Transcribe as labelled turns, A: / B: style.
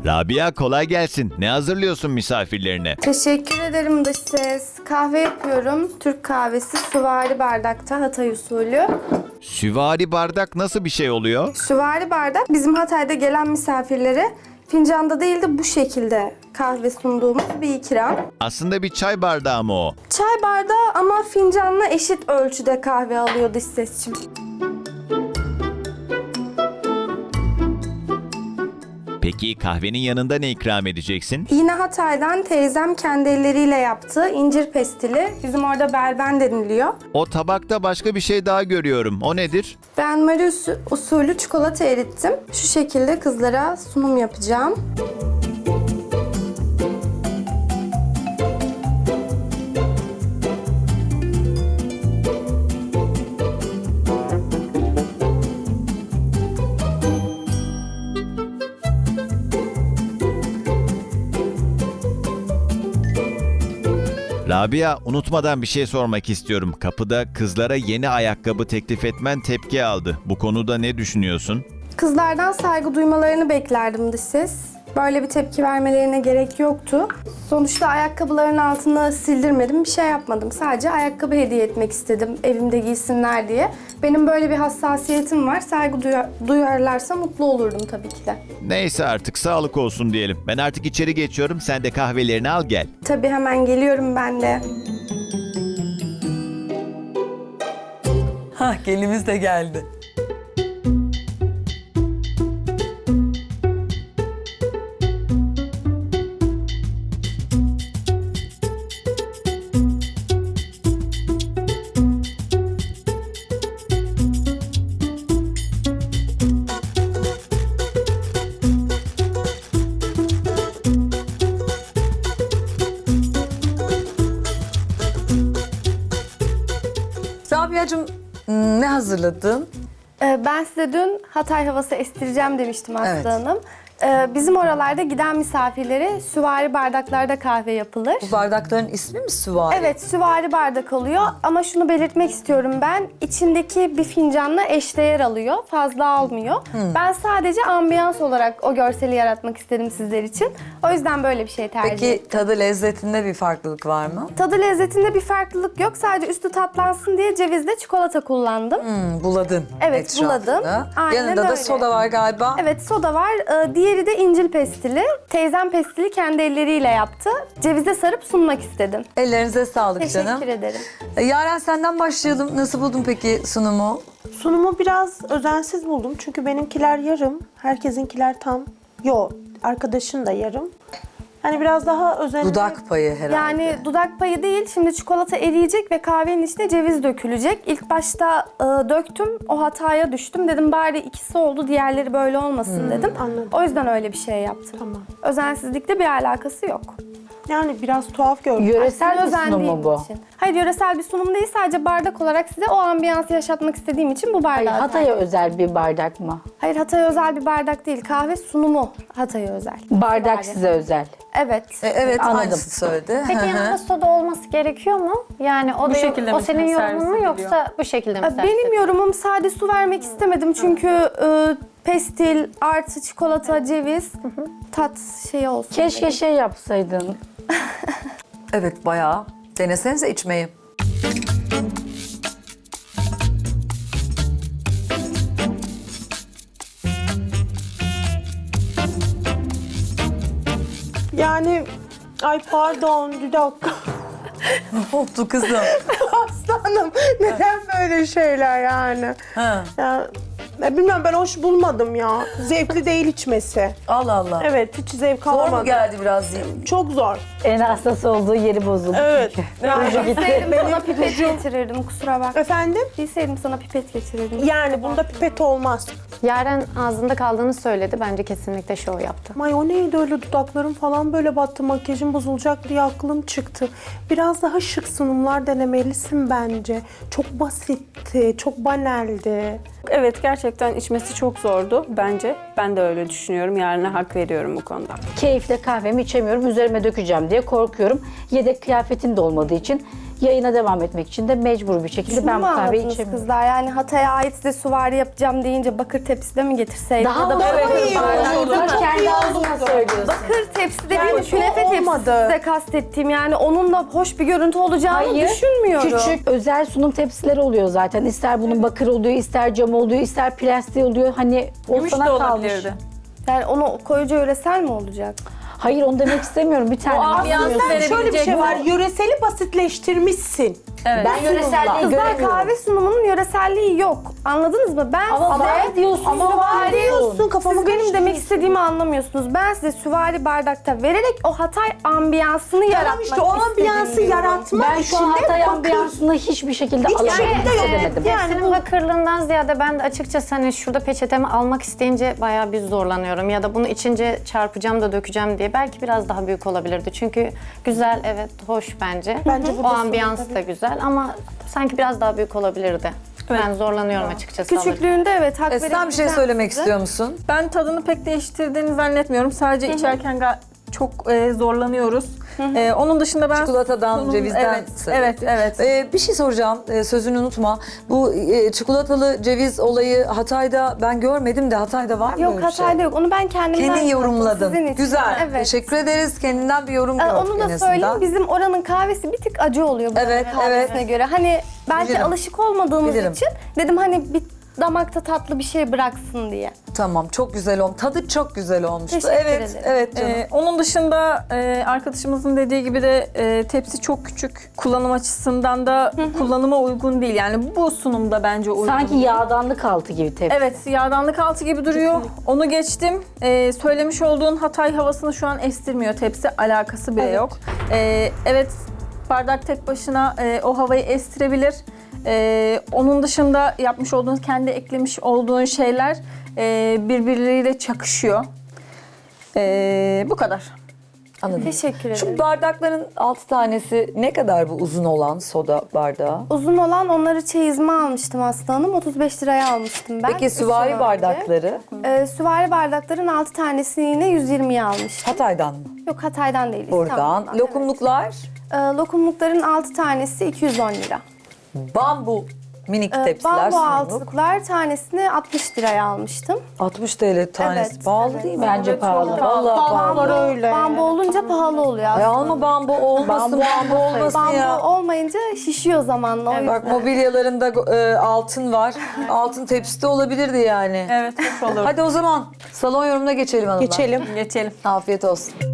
A: Rabia kolay gelsin. Ne hazırlıyorsun misafirlerine?
B: Teşekkür ederim dış ses. Kahve yapıyorum. Türk kahvesi süvari bardakta, Hatay usulü.
A: Süvari bardak nasıl bir şey oluyor?
B: Süvari bardak bizim Hatay'da gelen misafirlere fincanda değil de bu şekilde kahve sunduğumuz bir ikram.
A: Aslında bir çay bardağı mı o?
B: Çay bardağı ama fincanla eşit ölçüde kahve alıyor dış sesçim.
A: Peki kahvenin yanında ne ikram edeceksin?
B: Yine Hatay'dan teyzem kendi elleriyle yaptığı incir pestili. Bizim orada belben deniliyor.
A: O tabakta başka bir şey daha görüyorum. O nedir?
B: Ben Mari usulü çikolata erittim. Şu şekilde kızlara sunum yapacağım.
A: Rabia, unutmadan bir şey sormak istiyorum. Kapıda kızlara yeni ayakkabı teklif etmen tepki aldı. Bu konuda ne düşünüyorsun?
B: Kızlardan saygı duymalarını beklerdim dış ses. Böyle bir tepki vermelerine gerek yoktu. Sonuçta ayakkabıların altını sildirmedim, bir şey yapmadım. Sadece ayakkabı hediye etmek istedim evimde giysinler diye. Benim böyle bir hassasiyetim var. Saygı duyarlarsa mutlu olurdum tabii ki de.
A: Neyse artık sağlık olsun diyelim. Ben artık içeri geçiyorum. Sen de kahvelerini al gel.
B: Tabii hemen geliyorum ben de.
C: Hah, gelimiz de geldi. Rabia'cığım, ne hazırladın?
B: Ben size dün Hatay havası estireceğim demiştim Aslı
C: Evet.
B: Hanım. Bizim oralarda giden misafirlere süvari bardaklarda kahve yapılır.
C: Bu bardakların ismi mi süvari?
B: Evet, süvari bardak oluyor ama şunu belirtmek istiyorum ben. İçindeki bir fincanla eşdeğer alıyor, fazla almıyor. Ben sadece ambiyans olarak o görseli yaratmak istedim sizler için. O yüzden böyle bir şey tercih ettim.
C: Peki tadı lezzetinde bir farklılık var mı?
B: Tadı lezzetinde bir farklılık yok. Sadece üstü tatlansın diye cevizle çikolata kullandım.
C: Buladın
B: Evet,
C: etrafını.
B: buladım. Aynen
C: Yanında da
B: öyle.
C: soda var galiba.
B: Evet, soda var. Diğeri de incil pestili. Teyzem pestili kendi elleriyle yaptı. Cevize sarıp sunmak istedim.
C: Ellerinize sağlık canım.
B: Teşekkür ederim.
C: Yaren, senden başlayalım. Nasıl buldun peki sunumu?
D: Sunumu biraz özensiz buldum çünkü benimkiler yarım, herkesinkiler tam. Yo, arkadaşın da yarım. Yani biraz daha özenli.
C: Dudak payı herhalde.
B: Yani dudak payı değil, şimdi çikolata eriyecek ve kahvenin içine ceviz dökülecek. İlk başta döktüm, o hataya düştüm. Dedim bari ikisi oldu, diğerleri böyle olmasın dedim.
D: Anladım.
B: O yüzden öyle bir şey yaptım.
D: Tamam.
B: Özensizlikle bir alakası yok.
D: Yani biraz tuhaf gördüm.
E: Yöresel bir
B: Özendiğim
E: sunum mu bu?
B: için. Hayır, yöresel bir sunum değil, sadece bardak olarak size o ambiyansı yaşatmak istediğim için bu bardağı
E: Hayır,
B: tercih
E: Hatay'a özel bir bardak mı?
B: Hayır, Hatay'a özel bir bardak değil. Kahve sunumu Hatay'a özel.
E: Bardak
B: Süvari.
E: size özel.
B: Evet.
C: Evet,
E: Anladım.
C: aynısını söyledi.
F: Peki yanında soda olması gerekiyor mu? Yani o
G: Bu
F: da
G: şekilde
F: o
G: mi
F: senin
G: servis
F: yorumun mu
G: ediliyor?
F: yoksa bu şekilde mi servis
B: Benim
F: ediliyor?
B: yorumum sade su vermek istemedim çünkü pestil artı çikolata, ceviz tat şeyi olsun.
E: Keşke şey yapsaydın.
C: Evet, bayağı. Denesenize içmeyi.
D: Yani, ay pardon, bir dakika.
C: Ne oldu kızım?
D: Aslanım, neden böyle şeyler yani?
C: Ha.
D: Ya, bilmem, ben hoş bulmadım ya. Zevkli değil içmesi.
C: Allah Allah.
D: Evet, hiç zevk
C: Zor mu
D: alamadım.
C: geldi biraz?
D: Çok zor.
E: En hassas olduğu yeri bozuldu.
D: Evet. Yani,
B: Bilseydim sana pipet getirirdim, kusura bak.
D: efendim?
B: Bilseydim sana pipet getirirdim.
D: Yani bunda pipet olmaz.
F: Yaren ağzında kaldığını söyledi. Bence kesinlikle şov yaptı.
D: Ay o neydi öyle, dudaklarım falan böyle battı, makyajım bozulacak diye aklım çıktı. Biraz daha şık sunumlar denemelisin bence. Çok basitti, çok banaldi.
G: Evet, gerçekten içmesi çok zordu bence. Ben de öyle düşünüyorum. Yarına hak veriyorum bu konuda.
E: Keyifle kahvemi içemiyorum, üzerime dökeceğim diye korkuyorum. Yedek kıyafetin de olmadığı için Yayına devam etmek için de mecbur bir şekilde
B: Şunu
E: ben bu
B: mu
E: kahveyi
B: anladınız
E: içemiyorum.
B: kızlar? Yani Hatay'a ait size süvari yapacağım deyince bakır tepside mi getirseydim?
E: Daha
B: Ya da
E: olurdu.
B: bakır bardakta mı?
E: Kendi ağzına söylüyorsun.
B: Bakır tepsi dediğim
D: Yani
B: künefe
D: o
B: tepsisi
D: olmadı.
B: size kastettiğim. Yani onun da hoş bir görüntü olacağını
E: Hayır,
B: düşünmüyorum.
E: küçük özel sunum tepsileri oluyor zaten. İster bunun bakır oluyor, ister cam oluyor, ister plastik oluyor. Hani o
G: Gümüş
E: sana
G: de
E: kalmış.
G: olabilirdi.
B: Yani onu koyucu yöresel mi olacak?
E: Hayır onu demek istemiyorum. Bir tane var.
G: ambiyans
D: Şöyle bir şey var.
G: verebilecek
D: Yöreseli basitleştirmişsin.
G: Evet.
E: Ben yöreselliği
B: Kızlar
E: göremiyorum.
B: kahve sunumunun yöreselliği yok. Anladınız mı? Ben
E: Ama
B: size
E: var diyorsun.
B: Ama var
D: diyorsun, kafamı
B: Siz benim demek
D: karıştırıyorsun.
B: istediğimi anlamıyorsunuz. Ben size süvari bardakta vererek o Hatay ambiyansını
D: Tamam
B: yaratmak
D: işte o ambiyansı
B: istedim diyorum.
D: yaratmak
E: Ben
D: için
E: şu an
D: de
E: Hatay
D: bakır.
E: ambiyansını hiçbir şekilde
D: Hiçbir
E: alamam.
D: şekilde yok.
E: Edemedim.
F: Tepsinin bakırlığından ziyade ben de açıkçası hani şurada peçetemi almak isteyince bayağı bir zorlanıyorum. Ya da bunu içince çarpacağım da dökeceğim diye. Belki biraz daha büyük olabilirdi. Çünkü güzel, evet, hoş bence.
D: Bence
F: O
D: burada
F: ambiyans
D: sorun
F: da güzel ama sanki biraz daha büyük olabilirdi. Ben zorlanıyorum açıkçası.
B: Küçüklüğünde evet hak
H: Sen bir şey
B: verebileceğim
H: söylemek
B: size.
H: istiyor musun?
G: Ben tadını pek değiştirdiğini zannetmiyorum. Sadece içerken çok zorlanıyoruz. Onun dışında ben...
H: Çikolatadan, cevizden
G: Evet,
H: sebep.
G: evet.
H: Bir şey soracağım, sözünü unutma. Bu çikolatalı ceviz olayı Hatay'da ben görmedim de Hatay'da var mı
B: Yok
H: öyle bir şey?
B: Hatay'da yok. Onu ben kendimden
H: Kendin
B: yaptım,
H: yorumladın.
B: sizin için.
H: Güzel.
B: Evet.
H: Teşekkür ederiz. Kendinden bir yorum gördük
B: Onu da
H: en
B: söyleyeyim.
H: azından.
B: Bizim oranın kahvesi bir tık acı oluyor buranın
H: Evet,
B: kahvesine
H: evet.
B: göre. Hani belki
H: Bilirim.
B: alışık olmadığımız
H: Bilirim.
B: için dedim hani bir damakta tatlı bir şey bıraksın diye.
H: Tamam, çok güzel olmuş. Tadı çok güzel olmuştu.
B: Teşekkür
H: Evet,
B: ederim.
H: evet canım.
G: Onun dışında arkadaşımızın dediği gibi de tepsi çok küçük. Kullanım açısından da kullanıma uygun değil. Yani bu sunumda bence uygun
E: Sanki
G: değil.
E: yağdanlık altı gibi tepsi.
G: Evet, yağdanlık altı gibi duruyor. Onu geçtim. Söylemiş olduğun Hatay havasını şu an estirmiyor tepsi. Alakası bile yok. Evet, bardak tek başına o havayı estirebilir. Onun dışında yapmış olduğun, kendi eklemiş olduğun şeyler birbirleriyle çakışıyor. Bu kadar.
H: Anladım.
B: Teşekkür ederim.
H: Şu bardakların 6 tanesi ne kadar bu uzun olan soda bardağı?
B: Uzun olan onları çeyizime almıştım Aslı Hanım. 35 liraya almıştım ben.
H: Peki
B: Üç yıl
H: süvari
B: önce.
H: bardakları
B: Süvari bardakların 6 tanesini yine 120'ye almıştım.
H: Hatay'dan mı?
B: Yok Hatay'dan değil.
H: Buradan.
B: İstanbul'dan,
H: Lokumluklar
B: evet. Lokumlukların 6 tanesi 210 lira.
H: bambu minik tepsiler
B: Bambu
H: sunumluk.
B: altlıklar tanesini 60 liraya almıştım.
H: 60 TL tanesi.
B: Evet,
H: Pahalı
B: evet.
H: değil mi?
E: Bence pahalı.
H: Vallahi pahalı.
D: Var öyle.
B: Bambu olunca pahalı oluyor
H: Ay
B: aslında.
H: alma bambu olmasın, bambu olmasın
B: Bambu
H: ya.
B: olmayınca şişiyor zamanla. O yüzden.
H: Bak mobilyalarında altın var. Altın tepsi de olabilirdi yani.
G: Evet, hoş olur.
H: Hadi o zaman salon yorumuna geçelim hanımlar.
D: Geçelim.
G: Geçelim.
H: Afiyet olsun.